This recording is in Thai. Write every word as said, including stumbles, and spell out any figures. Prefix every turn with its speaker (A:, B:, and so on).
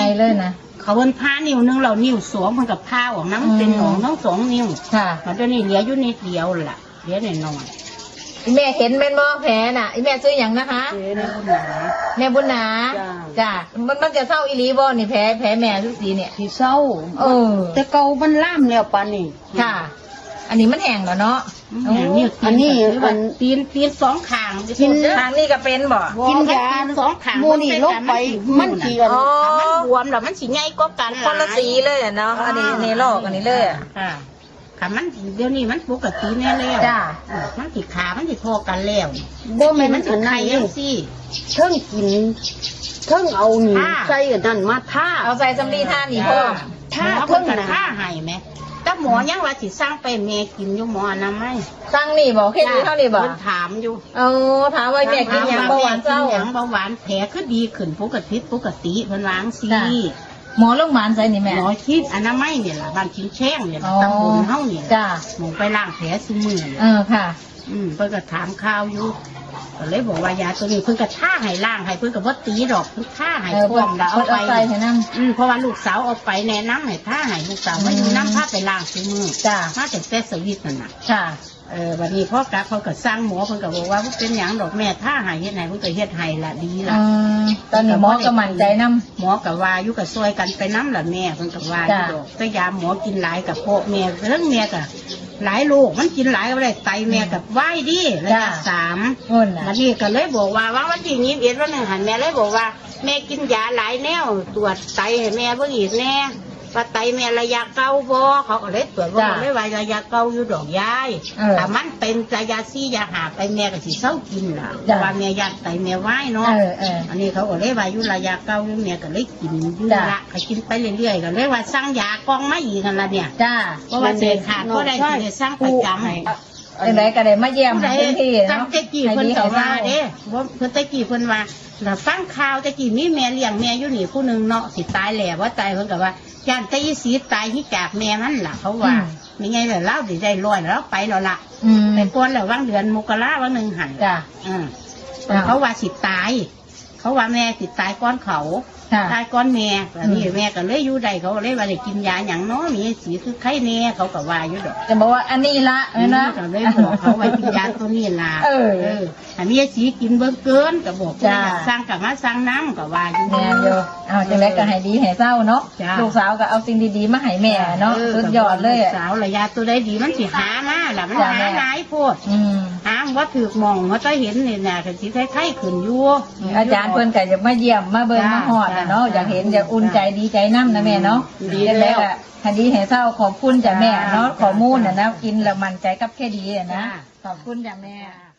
A: ไปเลยนะ
B: เขาเป็นผ้านิ้วนึงเรานิ้วสวงมันกับผ้าออกน้ำเป็นหนองน้องสองนิ้ว
A: ค่ะ
B: มันจะนี่เหลืออยู่นิดเดียวล่ะเหลือหน่อยหน่อย
A: แม่เห็นเป็นบ่แผลน่ะแม่ซื้ออย่างนะคะแม่บุญนาจ้ะมันมันจะเศร้าอีหลีบ่นี่แผลแผลแม่ทุกสีเนี่ย
B: ที่เศร้า
A: เออ
B: แต่เกามันล่ามแล้วปานนี่
A: ค่ะอันนี้มันแห้งแล้วเนาะ
B: อันนี้มันตีนตีนสองข้าง
A: กินทางนี้ก็เป็นบ่
B: กินยาสองข้างมูนี่ลงไปมันสีกันมันบวมแล้วมันสีใหญ่ก็กัน
A: คนละสีเลยเนาะอันนี้ในลอกอันนี้เลยอ่ะ
B: ขามันเดี๋ยวนี้มันปกติแน่แล้ว
A: จ้า
B: มันติดขามันติดพอกันแล้ว
C: บ่แม่มัน
B: ถึงไข่ยังสิ
C: เทิงกินเทิงเอาหนีใส่กันนั่นมาท่า
A: เอาใส่สำลีท่านี่พ่อ
B: ท่าเทิงท่าให้ไหมแต่หมอยังว่าสิสร้างไปเมกินอยู่หมอนะไม่
A: สร้างนี่บอกแค่นี้เท่านี้บอก
B: ถามอยู่
A: เออถามว่าแม่กินยังเบาหวานเจ้า
B: ยังเบาหวานแผลก็ดีขึ้นปกติปกติเพิ่นล้างซี
A: หมอโรงพยาบาลใส่นี่แม่
B: หมอคิดอนามัยเนี่ยล่ะบ้านชิ้นแช่งเนี่ยตำบลเฮาเนี่ย
A: จ้า
B: หมอไปล้างแผลซุมือ
A: เออค่ะ
B: อืมเพิ่นก็ถามข่าวอยู่ก็เลยบอกว่ายาตัวนี้เพิ่นก็ท่าให้ล้างให้เพิ่นก็บ่ตีดอกเพิ่นท่าให้พร้อมแล้วเอาไปอืมเพราะว่าลูกสาวเอาไปแนะนำให้ท่าให้ลูกสาวมาอยู่น้ำท่าไปล้างซุมือ
A: จ้า
B: มาแต่แต่สวิตนั่นน่ะ
A: ค่ะ
B: เออวันนี้พ่อกะเขาก็สร้างหมอเพิ่นก็บอกว่าเป็นหยังดอกแม่ท่าให้เฮ็ดให้เพิ่นก็เฮ็ดให้ละดีละ
A: ตอนนี้หมอก็มั่นใจนำ
B: หมอก็ว่าอยู่ก็ซอยกันไปน้ำละแม่เพิ่นก็ว่าอยู่ดอกแต่ยาหมอกินหลายกับพวกแม่เรื่องแม่ก็หลายโรคมันกินหลายก็ได้ไตแม่กับไหวดีระยะสามวันนี้ก็เลยบอกว่าว่าวันที่นี้เอ็ดวันหนึ่งหันแม่เลยบอกว่าแม่กินยาหลายแนวตรวจไตให้แม่เพิ่งอีกแน่ว่าไตแม่ระยะเก่าบ่เขาก็เลยตรวจว่าไม่ไหวระยะเก่าอยู่ดอกยายแต่มันเป็นระยะซี่ยาหาไปแม่ก็สิเศร้ากินล่ะแต่ว่าแม่ยัดไตแม่ไหวเนาะอันนี้เขาก็เลยว่าอยู่ระยะเก่าอยู่แม่ก็เลยกินอยู่ละเขากินไปเรื่อยๆก็เลยว่าสั่งยากองมาอีกกันละเนี่ย
A: จ้า
B: เพราะว่าเสียขาดก็ได้ที่สั่งประจำ
A: อะไรก็ได้มาเยี่ยมพื้นที่
B: เนาะตะกี้เพิ่นก็ว่าเด้ว่าเพิ่นตะกี้เพิ่นว่าเราฟังข่าวตะกี้มีแม่เลี้ยงแม่อยู่นี่ผู้หนึ่งเนาะสิตายแหล่ว่าตายเพิ่นก็ว่าย่านตะยี่สีตายที่จากแม่มันล่ะเขาว่าไม่ไงเลยเล่าได้ได้ลอยแล้วไปแล้วล่ะแต่ก่อนแล้วว่างเดือนมกราวันหนึ่งหันจ้ะเขาว่าสิตายเขาว่าแม่สิตายก้อนเขาตายก้อนแม่แบบนี้แม่ก็เลยอยู่ใดเขาเลยว่าได้กินยาอย่างน้อยมีสีคือไข้แน่เขาก็ว่าอยู่ดอก
A: จะบอกว่าอันนี้ละนะ
B: ก็เลยบอกเขาว่ากินยาตัวนี้ละเอออันนี้สีกินเบิ่งเกินก็บอกว่าสร้างกับมาสร้างน้ำก็ว่าอยู่
A: แม่โยเอาจังไรก็ให้ดีให้เศร้าเนาะลูกสาวก็เอาสิ่งดีๆมาให้แม่เนาะสุดยอดเลย
B: สาวระยะตัวได้ดีมันสิหามาแหละมันหาหลายโพดหาว่าถือมองว่าจะเห็นเนี่ยนะก็สิไข้ขึ้นอยู่
A: อาจารย์เพิ่นก็จะมาเยี่ยมมาเบิ่งมาฮอดเนาะอยากเห็นอยากอุ่นใจดีใจน้ำนะแม่เนาะ
B: ดีแล้ว
A: คดีให้เศร้าขอบคุณจ้ะแม่เนาะข้อมูลนะนะกินแล้วมั่นใจกับแค่ดีนะขอบคุณจ้ะแม่